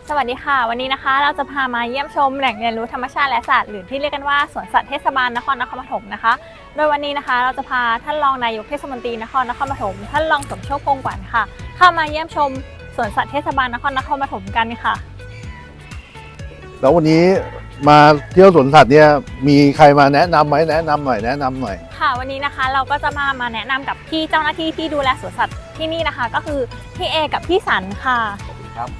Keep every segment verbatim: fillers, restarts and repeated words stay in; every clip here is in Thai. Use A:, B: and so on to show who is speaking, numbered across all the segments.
A: สวัสดีค่ะวันนี้นะคะเราจะพามาเยี่ยมชมแหล่งเรียนรู้ธรรมชาติและสัตว์หรือที่เรียกกันว่าสวนสัตว์เทศบาลนครนครปฐมนะคะโดยวันนี้นะคะเราจะพาท่านรองนายกเทศมนตรีนครนครปฐมท่านรองสมโชค คงขวัญค่ะเข้ามาเยี่ยมชมสวนสัตว์เทศบาลนครนครปฐมกันค่ะ
B: แล้ววันนี้มาเที่ยวสวนสัตว์เนี่ยมีใครมาแนะนำไหมแนะนำหน่อยแนะนำหน่อย
A: ค่ะวันนี้นะคะเราก็จะมามาแนะนำกับพี่เจ้าหน้าที่ที่ดูแลสวนสัตว์ที่นี่นะคะก็คือพี่เอกับพี่สันค่ะ
B: ครับ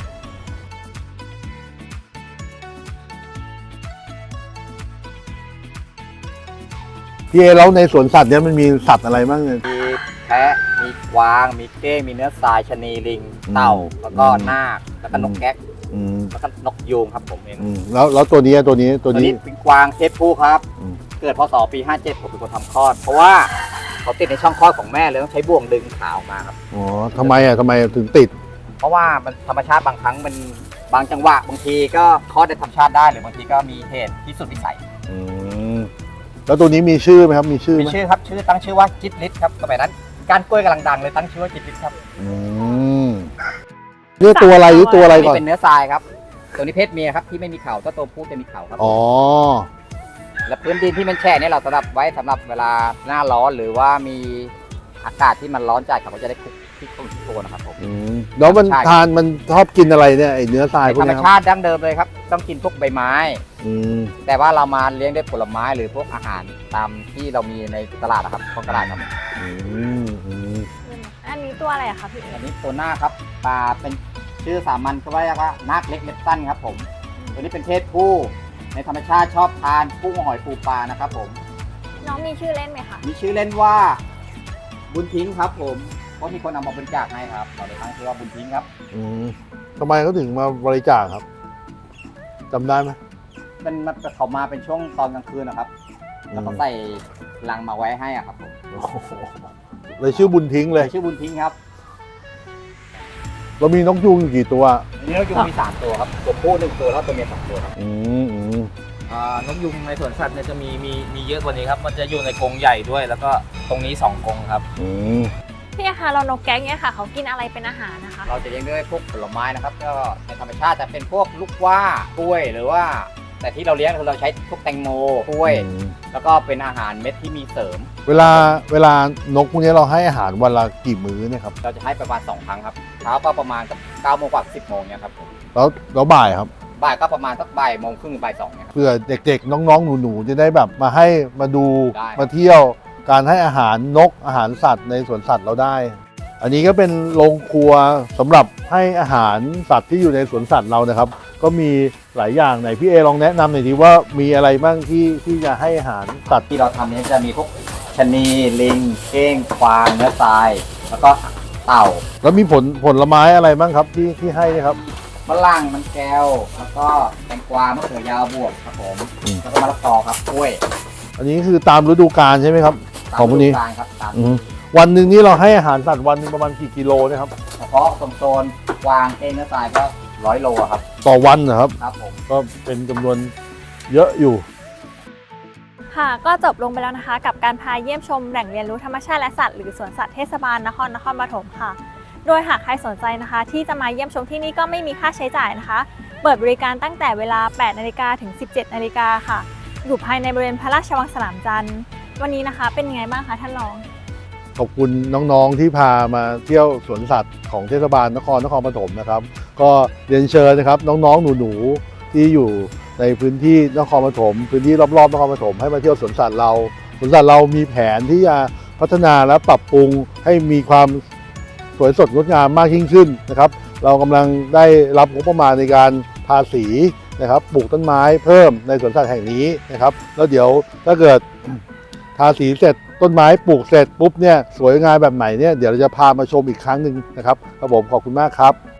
B: พี่เอแล้วในสวนสัตว์เนี่ยมันมีสัตว์อะไรบ้างเนี่ย
C: มีแพะมีกวางมีเก้งมีเนื้อทรายชะนีลิงเต่าแล้วก็นาคแล้วก็นกแก๊กแล้วก็นกยูงครับผมเอง
B: แล้วแล้วตัวนี้ตัวนี้ตัวนี้
C: เป็นกวางเพศผู้ครับเกิดพศปีห้าเจ็ดผมเป็นคนทำคลอดเพราะว่าเขาติดในช่องคลอดของแม่เลยต้องใช้บ่วงดึงขาออกมาครับ
B: อ๋อทำไมอ่ะทำไมถึงติด
C: เพราะว่ามันธรรมชาติบางครั้งมันบางจังหวะบางทีก็คลอดในธรรมชาติได้หรือบางทีก็มีเหตุที่สุดวิสัย
B: แล้วตัวนี้มีชื่อไหมครับมีชื่อ
C: มีชื่อครับชื่อตั้งชื่อว่าจิตลิศครับสมัยนั้นการกล้วยกำลังดังเลยตั้งชื่อว่าจิตลิศครับ
B: อืมเนื้อตัวอะไรหรือตัวอะไรก่อน
C: เป็นเนื้อทรายครับตัวนี้เพศเมียครับที่ไม่มีเขาถ้าตัวผู้จะมีเขาครับ
B: อ๋อ
C: และพื้นดินที่มันแฉะเนี่ยเราสำหรับไว้สำหรับเวลาหน้าร้อนหรือว่ามีอากาศที่มันร้อนจัดเขาก็จะได้คุกที่ต้นตัวนะครับผม
B: แล้วมันทานมันชอบกินอะไรเนี่ยไอเนื้อทรายพวก
C: นี้ธรรมชาติดั้งเดิมเลยครับต้องกินพวกใบไม้แต่ว่าเรามาเลี้ยงด้วยผลไม้หรือพวกอาหารตามที่เรามีในตลาดนะครับของตลาดครับ
A: อันนี้ตัวอะไรอะคะพี่
C: อันนี้ตัวหน้าครับปลาเป็นชื่อสามัญก็ว่าว่านาคเล็กเล็บสั้นครับผมตัวนี้เป็นเพศผู้ในธรรมชาติชอบทานกุ้งหอยปูปลานะครับผม
A: น้องมีชื่อเล่นไหมคะ
C: มีชื่อเล่นว่าบุญทิ้งครับผมเพราะมีคนเอามาบริจาคให้ครับเราเลยตั้งชื่อว่าบุญทิ้งครับ
B: อืมทำไมเขาถึงมาบริจาคครับจำได้ไหม
C: เป็นเขามาเป็นช่วงตอนกลางคืนนะครับแล้วเขาใส่ลังมาไว้ให้อ่ะครับผม
B: เลยชื่อบุญทิ้งเลย
C: ชื่อบุญทิ้งครับ
B: เรามีนกยูงอยู่กี่ตัว
C: อันนี้นกยูงมีสามตัวครับตัวผู้หนึ่งตัวแล้วตัวเมียสองตัวครับ
B: อืมอืม
D: อ่านกยูงในสวนสัตว์เนี่ยจะมีมีมีเยอะกว่านี้ครับมันจะอยู่ในกรงใหญ่ด้วยแล้วก็ตรงนี้สองกรงครับ
B: อืม
A: พี่คะเรานกแก๊กเนี่ยค่ะเขากินอะไรเป็นอาหารนะคะ
C: เราจะเลี้ยงด้วยพวกผลไม้นะครับก็ในธรรมชาติจะเป็นพวกลูกว่ากล้วยหรือว่าแต่ที่เราเลี้ยงคือเราใช้พวกแตงโมกล้วยแล้วก็เป็นอาหารเม็ดที่มีเสริม
B: เวลาเวลานกพวกนี้เราให้อาหารวันละกี่มื้อเนี่ยครับ
C: เราจะให้ประมาณสองครั้งครับเช้าก็ประมาณสักเก้าโมงกว่าสิบโมงเนี่ยครับ
B: แล้วแล้วบ่ายครับ
C: บ่ายก็ประมาณสักบ่ายโมงครึ่งบ่ายสองเนี่ย
B: เพื่อเด็กๆน้องๆหนูๆจะได้แบบมาให้มาดูมาเที่ยวการให้อาหารนกอาหารสัตว์ในสวนสัตว์เราได้อันนี้ก็เป็นโรงครัวสำหรับให้อาหารสัตว์ที่อยู่ในสวนสัตว์เรานะครับก็มีหลายอย่างไหนพี่เอลองแนะนำหน่อยดีว่ามีอะไรบ้างที่ที่จะให้อาหารสัตว์
C: ที่เราทำนี้จะมีพวกชะนีลิงเก้งควางเนื้อทรายแล้วก็เต่า
B: แล้วมีผลผลไม้อะไรบ้างครับที่ที่ให้ครับ
C: มะลังมันแก้วแล้วก็แตงกวามะเขือยาวบวบครับผมแล้วก็มะละกอครับกล้วย
B: อันนี้คือตามฤดูกาลใช่ไหมครับของพวกนี้
C: ตามฤดูกาลครับตาม
B: วันหนึ่งนี้เราให้อาหารสัตว์วันนึงประมาณกี่กิโลนะครับ
C: เฉพาะโซนกวางเก้งเนื้อทรายก็ร้อยโลครับ
B: ต่อวันนะครับ
C: ครับผม
B: ก็เป็นจำนวนเยอะอยู่
A: ค่ะก็จบลงไปแล้วนะคะกับการพาเยี่ยมชมแหล่งเรียนรู้ธรรมชาติและสัตว์หรือสวนสัตว์เทศบาลนครนครปฐมค่ะโดยหากใครสนใจนะคะที่จะมาเยี่ยมชมที่นี่ก็ไม่มีค่าใช้จ่ายนะคะเปิดบริการตั้งแต่เวลาแปดนาฬิกาถึงสิบเจ็ดนาฬิกาค่ะอยู่ภายในบริเวณพระราชวังสนามจันทร์วันนี้นะคะเป็นยังไงบ้างคะท่านรอง
B: ขอบคุณน้องๆที่พามาเที่ยวสวนสัตว์ของเทศบาลนครนครปฐมนะครับก็เรียนเชิญนะครับน้องๆหนูๆที่อยู่ในพื้นที่นครปฐมพื้นที่รอบๆนครปฐมให้มาเที่ยวสวนสัตว์เราสวนสัตว์เรามีแผนที่จะพัฒนาและปรับปรุงให้มีความสวยสดงดงามมากยิ่งขึ้นนะครับเรากำลังได้รับงบประมาณในการทาสีนะครับปลูกต้นไม้เพิ่มในสวนสัตว์แห่งนี้นะครับแล้วเดี๋ยวถ้าเกิดทาสีเสร็จต้นไม้ปลูกเสร็จปุ๊บเนี่ยสวยงามแบบไหนเนี่ยเดี๋ยวเราจะพามาชมอีกครั้งหนึ่งนะครับครับผมขอบคุณมากครับ